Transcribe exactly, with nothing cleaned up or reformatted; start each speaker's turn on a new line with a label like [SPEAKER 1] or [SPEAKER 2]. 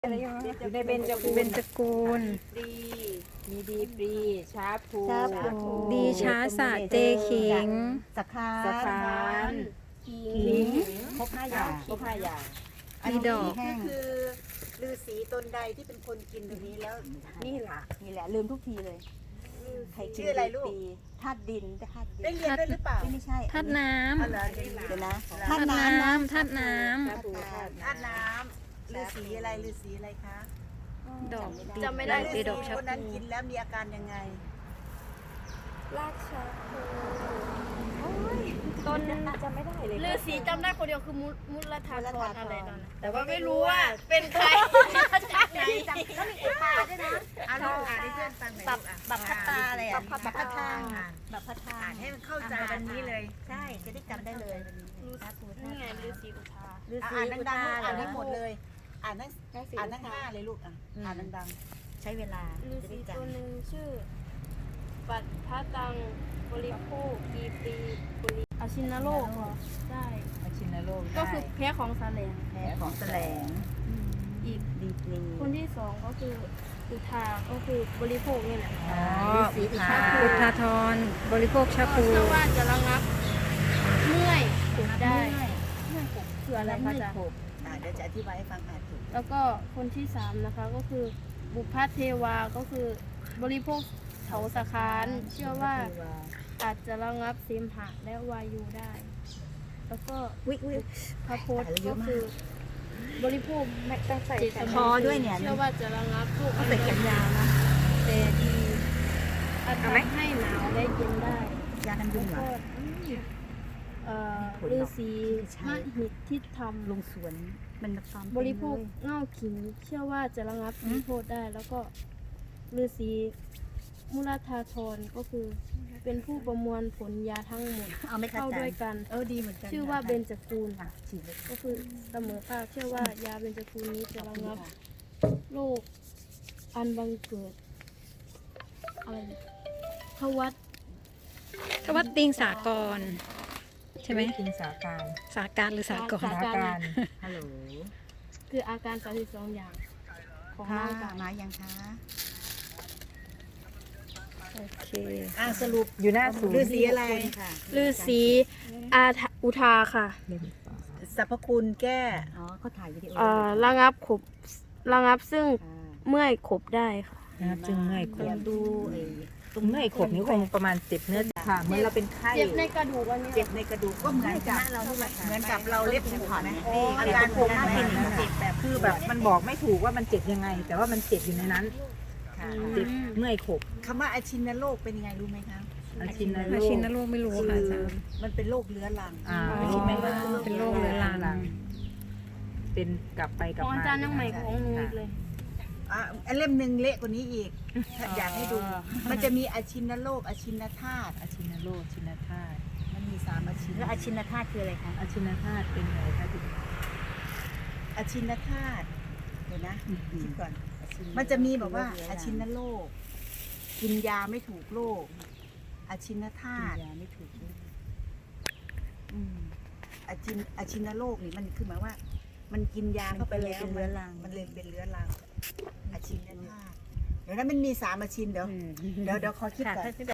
[SPEAKER 1] อยู่ในเบญจกูล
[SPEAKER 2] เบญจกูล
[SPEAKER 1] ปรีมีดีปรีช้าภู
[SPEAKER 3] ช้าภู
[SPEAKER 2] ดีช้าสะเจขิง
[SPEAKER 3] สักคา
[SPEAKER 1] สะพาน
[SPEAKER 3] ขิงครบห้าอย่าง
[SPEAKER 1] ครบห้าอย่าง
[SPEAKER 2] มีดอก
[SPEAKER 3] แห้ง
[SPEAKER 4] คือฤาษีตนใดที่เป็นคนกินตรงนี้แล้ว
[SPEAKER 3] นี่แหละนี่แหละลืมทุกทีเลยใครกิน
[SPEAKER 4] ชื่ออะไรลูก
[SPEAKER 3] ปีธาตุดินธาตุดิน
[SPEAKER 4] ได้เรียนด้วยหรือเปล่า
[SPEAKER 3] ไม่ใช่
[SPEAKER 2] ธาตุน้
[SPEAKER 4] อ๋อเหรอเรียน
[SPEAKER 3] เดี๋ยวนะ
[SPEAKER 2] ำ
[SPEAKER 3] ธา
[SPEAKER 2] ธา
[SPEAKER 3] ตุ
[SPEAKER 2] ตุ
[SPEAKER 3] น้ำนะ
[SPEAKER 2] น้ำธาตุน้
[SPEAKER 1] ช้าภูธาตุ
[SPEAKER 4] ธาตุน้ำฤาษีอะไรฤาษีอะไรคะ
[SPEAKER 2] ำดอก
[SPEAKER 3] จำไม่ได้
[SPEAKER 2] ดีดอกชะ
[SPEAKER 4] คนนั้น
[SPEAKER 2] พู
[SPEAKER 4] กินแล้วมีอาการยังไง
[SPEAKER 1] ต้นจำไม่ได้เลย
[SPEAKER 5] ฤาษีจำได้คนเดียวคือมุมุลธาธรอะไรนั่นน่ะ
[SPEAKER 1] แต่ว่า
[SPEAKER 5] ไม่รู้ว่าเป็นใครจากไหน
[SPEAKER 3] แล้วมีอุปาด้วยนะ
[SPEAKER 4] อ่านลูกอ่านให้เพื่อนฟังหน่อย
[SPEAKER 3] บับ
[SPEAKER 4] ลูกอ่ะ
[SPEAKER 3] บับพัตตาอะไรอ่ะ
[SPEAKER 4] บับพัตตา
[SPEAKER 3] บับพัตตา
[SPEAKER 4] อ่านให้มันเข้าใจวันนี้เลย
[SPEAKER 3] ใช่จะได้จำได้เลยสาธุ
[SPEAKER 5] นี่ไงฤาษีอุทา
[SPEAKER 3] ฤา
[SPEAKER 4] อ่ะ
[SPEAKER 3] ษี
[SPEAKER 4] อ่าน
[SPEAKER 3] อุ
[SPEAKER 4] ดัง
[SPEAKER 3] ตา
[SPEAKER 4] ๆลูกอ่านให้หมดเลย อ่านทั้ง
[SPEAKER 1] ช้าสี
[SPEAKER 4] อ่านทั้งห้าเลยลูกอ่ะอ่านดัง
[SPEAKER 3] ใช้เวลา
[SPEAKER 5] ฤา
[SPEAKER 3] จะ
[SPEAKER 5] ษี
[SPEAKER 3] ได้จ
[SPEAKER 5] ตัวหนึ่งชื่อ ปัตพะตังบริโภคกีปีบุริอาชินโลกเหรอใช่
[SPEAKER 1] ๆอาชินโลก
[SPEAKER 5] ก็คือแพ้ของซาเลง
[SPEAKER 3] ำแพ้ของแสลง
[SPEAKER 5] อีก
[SPEAKER 3] ดีกรี
[SPEAKER 5] คนที่สองก็คืออุทาก็คือบริโภคนี่แหละ
[SPEAKER 2] อ๋อ
[SPEAKER 3] ฤาษีอุทา
[SPEAKER 2] พุทธาธรบริโภคชา
[SPEAKER 5] ก็
[SPEAKER 2] พู
[SPEAKER 5] เชื่อว่าจะระงับเมื่อยปวดได้คืออะไรคะจ๊ะ
[SPEAKER 4] ๆอ่าเดี๋ยวจะอธิบายให้ฟังอ่านถูก
[SPEAKER 5] แล้วก็คนที่สามนะคะก็คือบุพเทวาก็คือบริโภคเถาสะคานเชื่อว่าอาจจะระงับเสมหะและวายุได้ แล้วก็
[SPEAKER 3] วิวิ
[SPEAKER 5] พระโพธิ์ก็คือบริโภค
[SPEAKER 1] แม่ต้องใส่
[SPEAKER 5] เจต
[SPEAKER 3] คอด้วยเนี่ย
[SPEAKER 5] เชื่อว่าจะระงับโรค
[SPEAKER 3] ต้องใส่แขนยาวนะ
[SPEAKER 5] แต่ดีอาจทำให้หนาวและเย็นได้
[SPEAKER 3] ยากันยุงเหร
[SPEAKER 5] ก็
[SPEAKER 3] อ
[SPEAKER 5] เอ่อฤาษีมหิทธิธรรม
[SPEAKER 3] ลงสวนมันฟาร์ม
[SPEAKER 5] บริโภคเง่าขิงเชื่อว่าจะระงับมีโทษได้ แล้วก็ฤาษีมุลธาธรก็คือเป็นผู้ประมวลผลยาทั้งหมด
[SPEAKER 3] เอาไม่เข้า
[SPEAKER 5] เข้า
[SPEAKER 3] ใจ
[SPEAKER 5] ด้วยกัน
[SPEAKER 3] เออดีเหมือนกัน
[SPEAKER 5] ชื่อว่าเบญจกูล
[SPEAKER 3] อ่ะฉีดเลย
[SPEAKER 5] ก็คือเสมอภาคเชื่อว่ายาเบญจกูลนี้จะระงับโรคอันบังเกิดอะไรเนี่ยทวัด
[SPEAKER 2] ทวัดติงสากร ใช่ไหม
[SPEAKER 1] กินสาการ
[SPEAKER 2] สาการหรือสากร
[SPEAKER 5] สาการ
[SPEAKER 3] ฮัลโหล
[SPEAKER 5] คืออาการสามสิบสองอย่างของ
[SPEAKER 3] ค่ะ
[SPEAKER 5] ร่างกาย
[SPEAKER 3] มายังคะ
[SPEAKER 2] โอเค
[SPEAKER 4] อ่าสรุป
[SPEAKER 1] อยู่หน้าศูน
[SPEAKER 4] ฤา
[SPEAKER 1] ย์
[SPEAKER 4] ษีอะไร
[SPEAKER 3] ค่ะ
[SPEAKER 5] ฤาษีอาทะอุทาค่ะ
[SPEAKER 4] สรรพคุณแก้
[SPEAKER 3] อ๋อเขาถ่ายวิดีโอ
[SPEAKER 5] เอ่อระงับขบระงับซึ่ง
[SPEAKER 3] ค่ะ
[SPEAKER 5] เมื่อยขบได้ค่ะ
[SPEAKER 1] นะครับจึงเมื่อยข
[SPEAKER 3] เดี๋ย
[SPEAKER 1] บ
[SPEAKER 3] วดูไอ้
[SPEAKER 1] ตรงเมื่อยขบนี้คงประมาณเจ็บเนื้อค่ะเหมื่อนเราเป็นไข้
[SPEAKER 5] เจ็บในกระดูกอันนี้
[SPEAKER 4] เจ็บในกระดูกก็เหมือนกับ
[SPEAKER 3] เราที่มา
[SPEAKER 4] เหมือนกับเราเล็บผูกไหม
[SPEAKER 3] อ๋อ
[SPEAKER 4] อาการโคม่าเป็นอย่างนั้น
[SPEAKER 1] เจ็บแบบคือแบบมันบอกไม่ถูกว่ามันเจ็บยังไง แต่ว่ามันเจ็บอยู่ในนั้น
[SPEAKER 4] ค่ะ
[SPEAKER 1] เจ็บเมื่อยขบ
[SPEAKER 4] คำว่าอาชินโรคเป็นยังไงรู้ไหมคะ
[SPEAKER 1] อาชินโร
[SPEAKER 2] อา
[SPEAKER 1] ค
[SPEAKER 2] ชินโรคไม่รู้
[SPEAKER 4] คื
[SPEAKER 2] ค่ะอา
[SPEAKER 4] อ
[SPEAKER 2] จารย์
[SPEAKER 4] มันเป็นโรคเรื้อรัง
[SPEAKER 1] อ่า
[SPEAKER 4] ไม่ใช่ไหมว่า
[SPEAKER 2] เป็นโรคเรื้อรัง
[SPEAKER 1] เป็นกลับไปก
[SPEAKER 5] ข
[SPEAKER 1] ลับ
[SPEAKER 5] อง
[SPEAKER 1] มา
[SPEAKER 5] อาจารย์ยังใหม่ของหนูอีกเลย
[SPEAKER 4] อ่ะอันเล่มหนึ่งเละกว่านี้อีกอยากให้ดู มันจะมีอาชินโรคอาชินธาตุ
[SPEAKER 1] อาชินโรคอาชินธาตุ
[SPEAKER 4] มันมีสามอาชิน
[SPEAKER 3] แล้วอาชินธาตุคืออะไรคะ
[SPEAKER 1] อาชินธาตุเป็นไงคะถึง
[SPEAKER 4] อาชินธาตุเดี๋ยวนะคิดก่อน มันจะมีแบบว่าอาชินโรคกินยาไม่ถูกโรคอาชินธาตุ
[SPEAKER 3] ยาไม่ถูกด้วย
[SPEAKER 4] อืมอาชินอาชินโรคนี่มันคือหมายว่า มันกินยาเข้าไปแล้ว
[SPEAKER 3] มันเป็นเรื้อรัง
[SPEAKER 4] มันเลยเป็นเรื้อรังอาชินธาตุเดี๋ยวนั้นมันมีสามอาชินเดี๋ยวเดี๋ยวเดี๋ยวขอคิดก่อน